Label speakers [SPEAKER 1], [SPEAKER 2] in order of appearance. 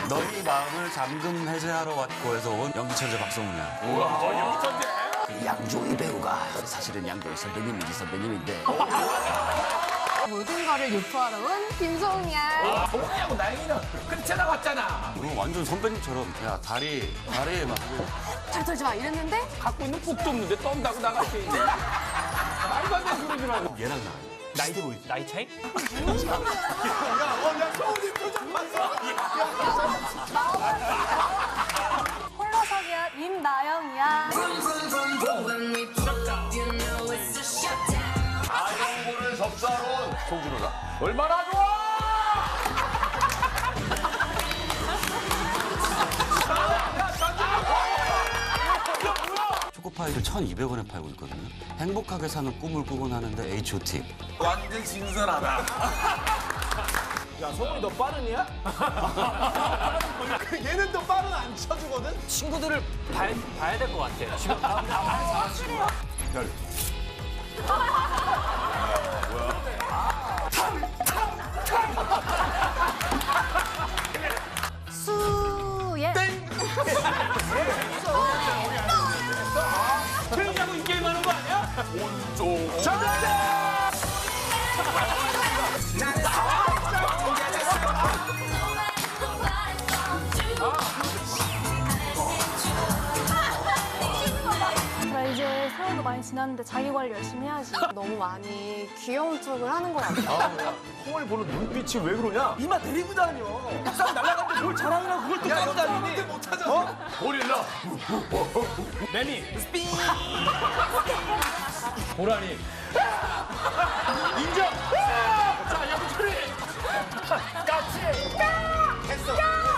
[SPEAKER 1] 너희 마음을 잠금 해제하러 왔고 해서 온 연기천재 박성훈이야.
[SPEAKER 2] 우와, 연기천재.
[SPEAKER 1] 양조위 배우가 사실은 양조위 선배님이지 선배님인데.
[SPEAKER 3] 모든 거를 유포하러 온 김소은이야.
[SPEAKER 2] 동훈이하고 나영이는 끝에 나왔잖아.
[SPEAKER 1] 이거 완전 선배님처럼 야 다리에 막
[SPEAKER 3] 잘 털지 마 이랬는데
[SPEAKER 2] 갖고 있는 푹도 없는데 떤다고 나갔지. 말도 안 되는 소리지 말고.
[SPEAKER 1] 얘랑 나.
[SPEAKER 4] 나이 차이?
[SPEAKER 2] 야, 서울이 표정 봤어.
[SPEAKER 3] 홀로서기야 임나영이야.
[SPEAKER 2] 아영고를 접수하러 온 송준호다. 얼마나 좋아!
[SPEAKER 1] 초코파이를 1,200원에 팔고 있거든요. 행복하게 사는 꿈을 꾸곤 하는데 H.O.T.
[SPEAKER 2] 완전 신선하다.
[SPEAKER 5] 야, 성훈이 너 빠르냐? 얘는 또 빠른 안 쳐주거든?
[SPEAKER 4] 친구들을 봐야 될 것 같아. 지금
[SPEAKER 3] 수예.
[SPEAKER 2] 트레이하고 이 게임 하는 거 아니야? 온종. 정답!
[SPEAKER 6] 나 이제 세월도 많이 지났는데 자기 관리 열심히 해야지.
[SPEAKER 3] 너무 많이 귀여운 척을 하는 것 같아.
[SPEAKER 5] 성훈이 보는 눈빛이 왜 그러냐? 이마 데리고 다녀. 싹 날아갔는데 뭘 자랑이라고 그걸 또 따고 다니니? 못 찾아. 어?
[SPEAKER 2] 고릴라.
[SPEAKER 4] 매미 스피 보라니
[SPEAKER 2] 인정. 자, 양철이.
[SPEAKER 5] 했어.